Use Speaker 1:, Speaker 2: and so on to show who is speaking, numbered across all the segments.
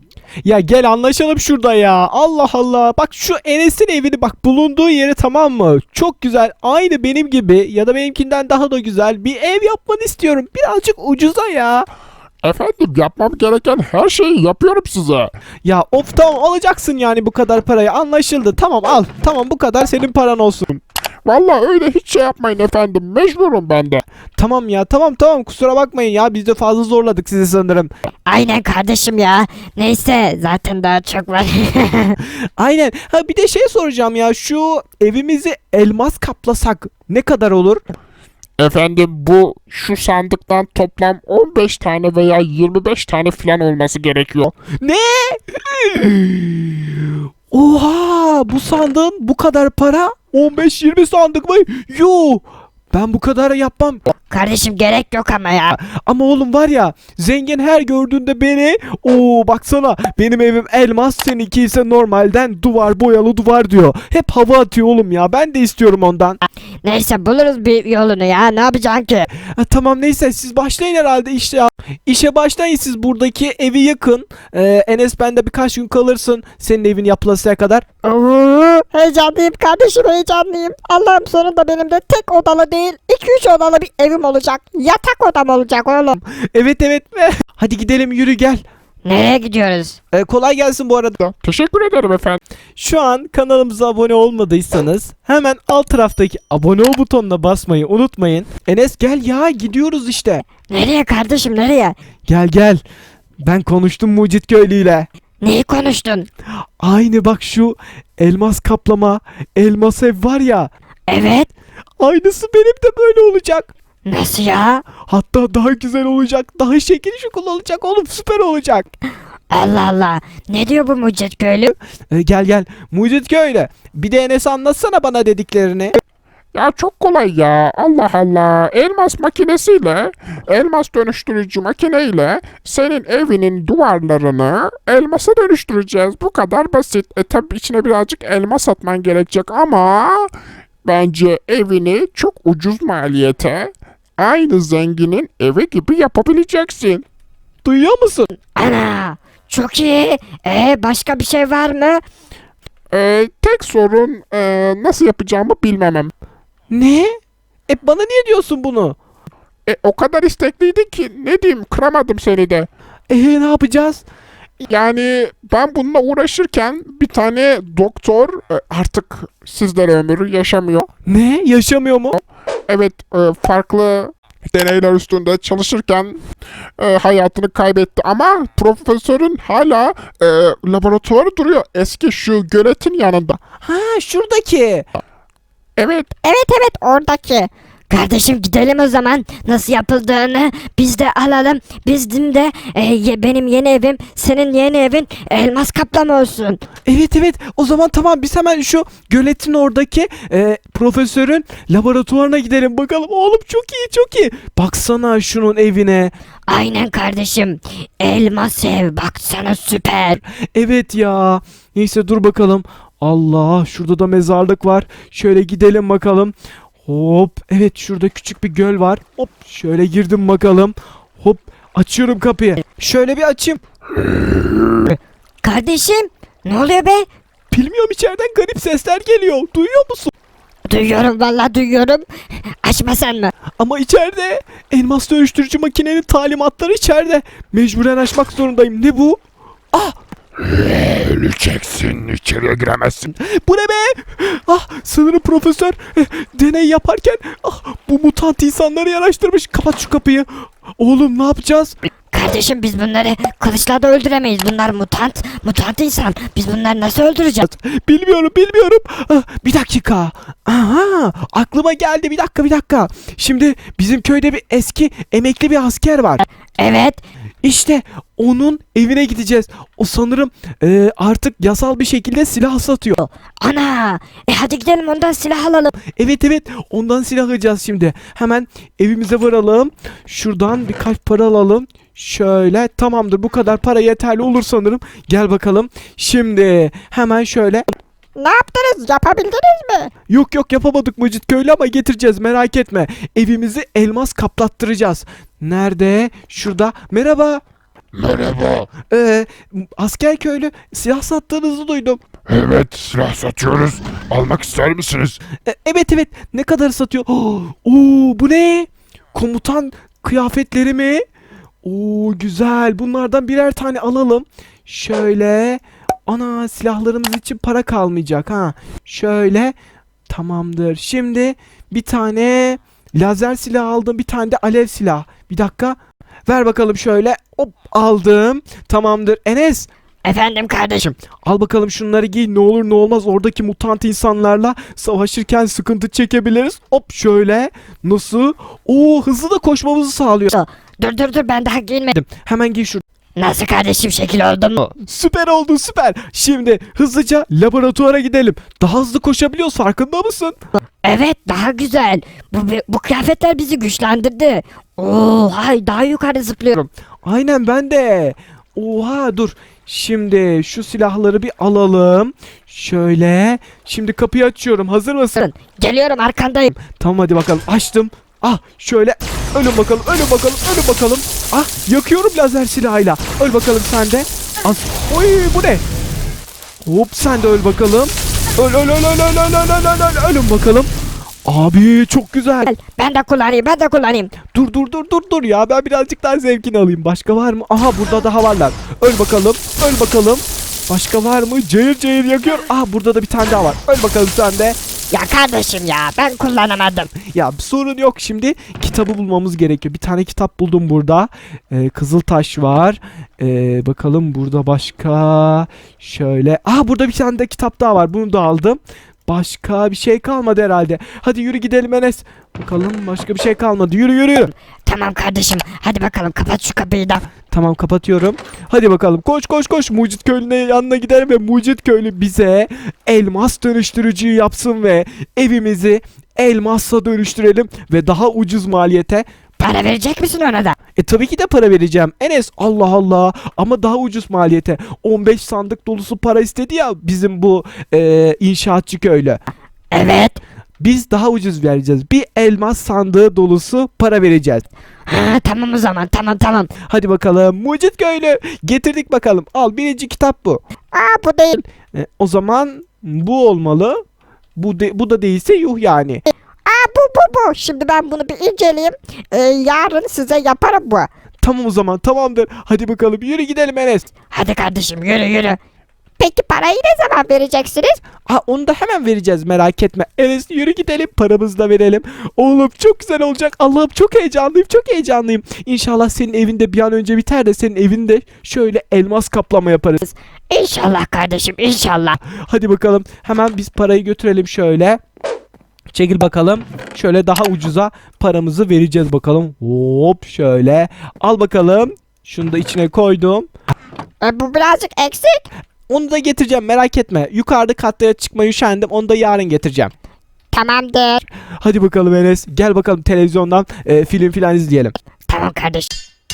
Speaker 1: Ya gel anlaşalım şurada ya. Allah Allah. Bak şu Enes'in evini bak bulunduğu yeri tamam mı? Çok güzel. Aynı benim gibi ya da benimkinden daha da güzel bir ev yapmanı istiyorum. Birazcık ucuza ya.
Speaker 2: Efendim yapmam gereken her şeyi yapıyorum size.
Speaker 1: Ya of tamam alacaksın yani bu kadar parayı. Anlaşıldı. Tamam al. Tamam bu kadar senin paran olsun.
Speaker 2: Vallahi öyle hiç şey yapmayın efendim. Mecburum ben de.
Speaker 1: Tamam ya tamam kusura bakmayın ya. Biz de fazla zorladık sizi sanırım.
Speaker 3: Aynen kardeşim ya. Neyse zaten daha çok var.
Speaker 1: Aynen. Ha bir de şey soracağım ya. Şu evimizi elmas kaplasak ne kadar olur?
Speaker 2: Efendim bu şu sandıktan toplam 15 tane veya 25 tane falan olması gerekiyor.
Speaker 1: Ne? Oha! Bu sandığın bu kadar para 15-20 sandık mı? Yuh! Ben bu kadar yapmam.
Speaker 3: Kardeşim gerek yok ama ya.
Speaker 1: Ama oğlum var ya zengin her gördüğünde beni baksana benim evim elmas seninki ise normalden duvar boyalı duvar diyor. Hep hava atıyor oğlum ya ben de istiyorum ondan.
Speaker 3: Neyse buluruz bir yolunu ya. Ne yapacaksın ki?
Speaker 1: Tamam neyse siz başlayın herhalde işte ya. İşe başlayın siz buradaki evi yakın. Enes bende birkaç gün kalırsın senin evin yapılasıya kadar.
Speaker 3: Oo, heyecanlıyım kardeşim heyecanlıyım. Allah'ım sonunda benim de tek odalı değil 2-3 odalı bir evim olacak. Yatak odam olacak oğlum.
Speaker 1: Evet. Hadi gidelim yürü gel.
Speaker 3: Nereye gidiyoruz?
Speaker 1: Kolay gelsin bu arada.
Speaker 2: Teşekkür ederim efendim.
Speaker 1: Şu an kanalımıza abone olmadıysanız hemen alt taraftaki abone ol butonuna basmayı unutmayın. Enes gel ya gidiyoruz işte.
Speaker 3: Nereye kardeşim nereye?
Speaker 1: Gel. Ben konuştum Mucit Köylü'yle.
Speaker 3: Neyi konuştun?
Speaker 1: Aynı bak şu elmas kaplama, elmas ev var ya.
Speaker 3: Evet.
Speaker 1: Aynısı benim de böyle olacak.
Speaker 3: Nasıl ya?
Speaker 1: Hatta daha güzel olacak. Daha şekil şukul olacak oğlum süper olacak.
Speaker 3: Allah Allah. Ne diyor bu Mucit köylü?
Speaker 1: Gel. Mucit Köylü. Bir de Enes anlatsana bana dediklerini.
Speaker 2: Ya çok kolay ya. Allah Allah. Elmas makinesiyle, elmas dönüştürücü makineyle senin evinin duvarlarını elmasa dönüştüreceğiz. Bu kadar basit. Tabi içine birazcık elmas atman gerekecek ama bence evini çok ucuz maliyete aynı zenginin evi gibi yapabileceksin.
Speaker 1: Duyuyor musun?
Speaker 3: Ana. Çok iyi. Başka bir şey var mı?
Speaker 2: Tek sorun nasıl yapacağımı bilmemem.
Speaker 1: Ne? Bana niye diyorsun bunu?
Speaker 2: O kadar istekliydin ki ne diyeyim kıramadım seni de.
Speaker 1: Ne yapacağız?
Speaker 2: Yani ben bununla uğraşırken bir tane doktor artık sizlere ömrü yaşamıyor.
Speaker 1: Ne? Yaşamıyor mu?
Speaker 2: Evet farklı deneyler üstünde çalışırken hayatını kaybetti ama profesörün hala laboratuvarı duruyor eski şu göletin yanında.
Speaker 1: Ha şuradaki.
Speaker 2: Evet
Speaker 3: Evet oradaki. Kardeşim gidelim o zaman. Nasıl yapıldığını biz de alalım. Bizim de benim yeni evim, senin yeni evin elmas kaplama olsun.
Speaker 1: Evet. O zaman tamam biz hemen şu göletin oradaki profesörün laboratuvarına gidelim bakalım. Oğlum çok iyi. Baksana şunun evine.
Speaker 3: Aynen kardeşim. Elmas ev baksana süper.
Speaker 1: Evet ya. Neyse dur bakalım. Allah şurada da mezarlık var. Şöyle gidelim bakalım. Hop evet şurada küçük bir göl var. Hop şöyle girdim bakalım. Hop açıyorum kapıyı. Şöyle bir açayım.
Speaker 3: Kardeşim ne oluyor be?
Speaker 1: Bilmiyorum içeriden garip sesler geliyor. Duyuyor musun?
Speaker 3: Duyuyorum vallahi duyuyorum. Açma sen mi?
Speaker 1: Ama içeride elmas dönüştürücü makinenin talimatları içeride. Mecburen açmak zorundayım. Ne bu? Ah
Speaker 2: öleceksin içeriye giremezsin.
Speaker 1: bu ne be? Sanırım profesör deney yaparken bu mutant insanları yaraştırmış. Kapat şu kapıyı. Oğlum ne yapacağız?
Speaker 3: Kardeşim biz bunları kılıçla da öldüremeyiz. Bunlar mutant insan. Biz bunları nasıl öldüreceğiz?
Speaker 1: Bilmiyorum. Bir dakika. Aha aklıma geldi bir dakika. Şimdi bizim köyde bir eski emekli bir asker var.
Speaker 3: Evet.
Speaker 1: İşte onun evine gideceğiz. O sanırım artık yasal bir şekilde silah satıyor.
Speaker 3: Ana. Hadi gidelim ondan silah alalım.
Speaker 1: Evet ondan silah alacağız şimdi. Hemen evimize varalım. Şuradan birkaç para alalım. Şöyle tamamdır bu kadar para yeterli olur sanırım. Gel bakalım. Şimdi hemen şöyle.
Speaker 3: Ne yaptınız? Yapabildiniz mi?
Speaker 1: Yok yapamadık Mucit Köylü ama getireceğiz merak etme. Evimizi elmas kaplattıracağız. Nerede? Şurada. Merhaba.
Speaker 2: Merhaba.
Speaker 1: Asker köylü, silah sattığınızı duydum.
Speaker 2: Evet, silah satıyoruz. Almak ister misiniz?
Speaker 1: Evet evet, ne kadar satıyor? Bu ne? Komutan kıyafetleri mi? Güzel, bunlardan birer tane alalım. Şöyle, ana, silahlarımız için para kalmayacak ha. Şöyle, tamamdır. Şimdi bir tane lazer silah aldım, bir tane de alev silah. Bir dakika, ver bakalım şöyle. Hop, aldım. Tamamdır. Enes,
Speaker 3: Efendim kardeşim.
Speaker 1: al bakalım şunları giy, ne olur ne olmaz oradaki mutant insanlarla savaşırken sıkıntı çekebiliriz. Hop, şöyle, nasıl? Hızlı da koşmamızı sağlıyor.
Speaker 3: Dur ben daha giyinmedim.
Speaker 1: Hemen giy şunu.
Speaker 3: Nasıl kardeşim, şekil oldu mu?
Speaker 1: Süper oldu, süper. Şimdi hızlıca laboratuvara gidelim. Daha hızlı koşabiliyoruz, farkında mısın?
Speaker 3: Evet, daha güzel. Bu kıyafetler bizi güçlendirdi. Hay, daha yukarı zıplıyorum.
Speaker 1: Aynen, ben de. Oha, dur. Şimdi şu silahları bir alalım. Şöyle. Şimdi kapıyı açıyorum. Hazır mısın?
Speaker 3: Geliyorum, arkandayım.
Speaker 1: Tamam, hadi bakalım. Açtım. Şöyle. Ölün bakalım. Ölün bakalım. Ölün bakalım. Yakıyorum lazer silahıyla. Öl bakalım sen de. Oy, bu ne? Hop, sen de öl bakalım. Öl. Ölün bakalım. Abi, çok güzel.
Speaker 3: Ben de kullanayım.
Speaker 1: Dur ya, ben birazcık daha zevkini alayım. Başka var mı? Aha, burada daha varlar. Öl bakalım. Başka var mı? Cayır yakıyor. Burada da bir tane daha var. Öl bakalım sen de.
Speaker 3: Ya kardeşim ya, ben kullanamadım.
Speaker 1: Ya, sorun yok, şimdi kitabı bulmamız gerekiyor. Bir tane kitap buldum burada. Kızıltaş var. Bakalım burada başka. Şöyle. Burada bir tane de kitap daha var. Bunu da aldım. Başka bir şey kalmadı herhalde. Hadi yürü gidelim Enes. Bakalım, başka bir şey kalmadı. Yürü.
Speaker 3: Tamam kardeşim, hadi bakalım, kapat şu kapıyı da.
Speaker 1: Tamam, kapatıyorum. Hadi bakalım, koş. Mucit Köylü'nün yanına gidelim ve Mucit Köylü bize elmas dönüştürücüyü yapsın ve evimizi elmasla dönüştürelim ve daha ucuz maliyete.
Speaker 3: Para verecek misin ona da?
Speaker 1: Tabii ki de para vereceğim Enes, Allah Allah, ama daha ucuz maliyete. 15 sandık dolusu para istedi ya bizim bu inşaatçı köylü.
Speaker 3: Evet.
Speaker 1: Biz daha ucuz vereceğiz. Bir elmas sandığı dolusu para vereceğiz.
Speaker 3: Tamam o zaman, tamam.
Speaker 1: Hadi bakalım Mucit Köylü, getirdik bakalım. Al, birinci kitap bu.
Speaker 3: Bu değil.
Speaker 1: O zaman bu olmalı. Bu da değilse yuh yani.
Speaker 3: Bu. Şimdi ben bunu bir inceleyeyim. Yarın size yaparım bu.
Speaker 1: Tamam, o zaman tamamdır. Hadi bakalım, yürü gidelim Enes.
Speaker 3: Hadi kardeşim, yürü. Peki parayı ne zaman vereceksiniz?
Speaker 1: Onu da hemen vereceğiz, merak etme. Enes, yürü gidelim, paramızı da verelim. Oğlum, çok güzel olacak. Allah'ım, çok heyecanlıyım. İnşallah senin evinde bir an önce biter de senin evinde şöyle elmas kaplama yaparız.
Speaker 3: İnşallah kardeşim, inşallah.
Speaker 1: Hadi bakalım, hemen biz parayı götürelim şöyle. Çekil bakalım. Şöyle daha ucuza paramızı vereceğiz bakalım. Hop, şöyle. Al bakalım. Şunu da içine koydum.
Speaker 3: Bu birazcık eksik.
Speaker 1: Onu da getireceğim, merak etme. Yukarıda katlara çıkmayı üşendim. Onu da yarın getireceğim.
Speaker 3: Tamamdır.
Speaker 1: Hadi bakalım Enes. Gel bakalım televizyondan film filan izleyelim.
Speaker 3: Tamam kardeşim.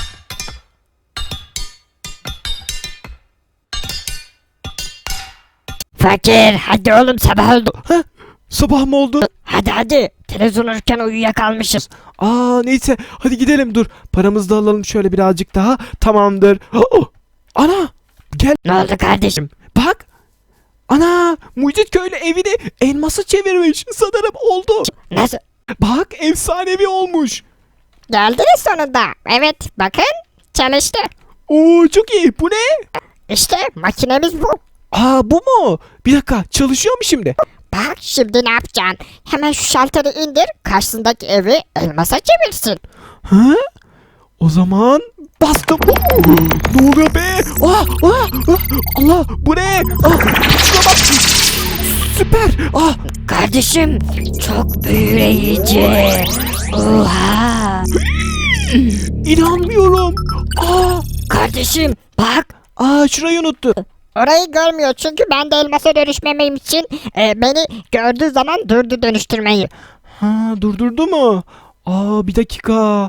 Speaker 3: Fakir, hadi oğlum, sabah oldu.
Speaker 1: Sabah mı oldu?
Speaker 3: Hadi. Televizyon uyurken uyuyakalmışız.
Speaker 1: Neyse. Hadi gidelim, dur. Paramızı da alalım şöyle birazcık daha. Tamamdır. Ana. Gel.
Speaker 3: Ne oldu kardeşim?
Speaker 1: Bak. Ana. Mucit Köylü evini elması çevirmiş. Sanırım oldu.
Speaker 3: Nasıl?
Speaker 1: Bak, efsanevi olmuş.
Speaker 3: Geldiniz sonunda. Evet, bakın, çalıştı.
Speaker 1: Çok iyi. Bu ne?
Speaker 3: İşte makinemiz bu.
Speaker 1: Bu mu? Bir dakika, çalışıyor mu şimdi?
Speaker 3: Bak, şimdi ne yapacaksın? Hemen şu şalteri indir, karşısındaki evi elmasa çevirsin.
Speaker 1: O zaman bastım. Ne oluyor be? Allah, bu ne? Şuna bak. Süper.
Speaker 3: Kardeşim, çok büyüleyici. Oha.
Speaker 1: İnanmıyorum.
Speaker 3: Kardeşim, bak.
Speaker 1: Şurayı unuttu.
Speaker 3: Orayı görmüyor çünkü ben de elmasa dönüşmemem için beni gördüğü zaman durdu dönüştürmeyi.
Speaker 1: Durdurdu mu? Bir dakika.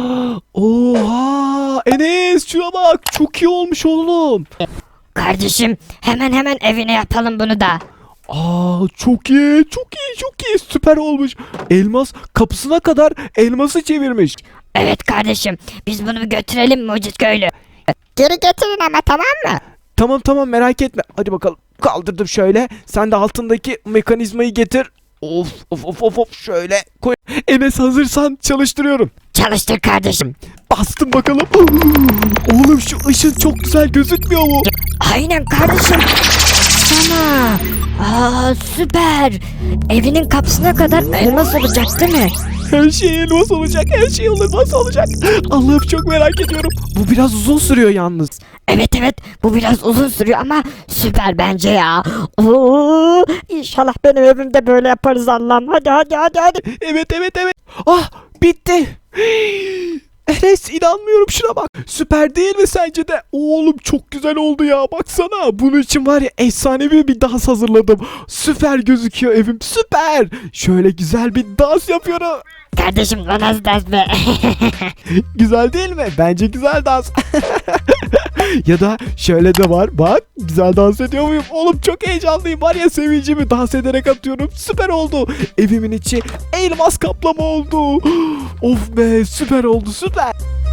Speaker 1: Oha, Enes, şuna bak, çok iyi olmuş oğlum.
Speaker 3: Kardeşim, hemen evine yapalım bunu da.
Speaker 1: Çok iyi, süper olmuş. Elmas kapısına kadar elması çevirmiş.
Speaker 3: Evet kardeşim, biz bunu bir götürelim Mucit Köylü. geri getirin ama, tamam mı?
Speaker 1: Tamam merak etme. Hadi bakalım. Kaldırdım şöyle. Sen de altındaki mekanizmayı getir. Of şöyle koy. Enes hazırsan çalıştırıyorum.
Speaker 3: Çalıştır kardeşim.
Speaker 1: Bastım bakalım. Oğlum şu ışın çok güzel gözükmüyor mu?
Speaker 3: Aynen kardeşim. Sana. Süper. Evinin kapısına kadar elmas olacak değil mi?
Speaker 1: Her şey elmas olacak. Her şey elmas olacak. Allah'ım çok merak ediyorum. Bu biraz uzun sürüyor yalnız.
Speaker 3: Evet, bu biraz uzun sürüyor ama süper bence ya. İnşallah benim evimde böyle yaparız Allah'ım. Hadi.
Speaker 1: Evet. Ah bitti. Enes inanmıyorum şuna bak. Süper değil mi sence de? Oğlum çok güzel oldu ya baksana. Bunun için var ya efsanevi bir dans hazırladım. Süper gözüküyor evim süper. Şöyle güzel bir dans yapıyorum.
Speaker 3: Kardeşim bu nasıl dans be?
Speaker 1: Güzel değil mi? Bence güzel dans. Ya da şöyle de var. Bak güzel dans ediyor muyum? Oğlum çok heyecanlıyım. Var ya sevincimi dans ederek atıyorum. Süper oldu. Evimin içi elmas kaplama oldu. Of be süper oldu süper.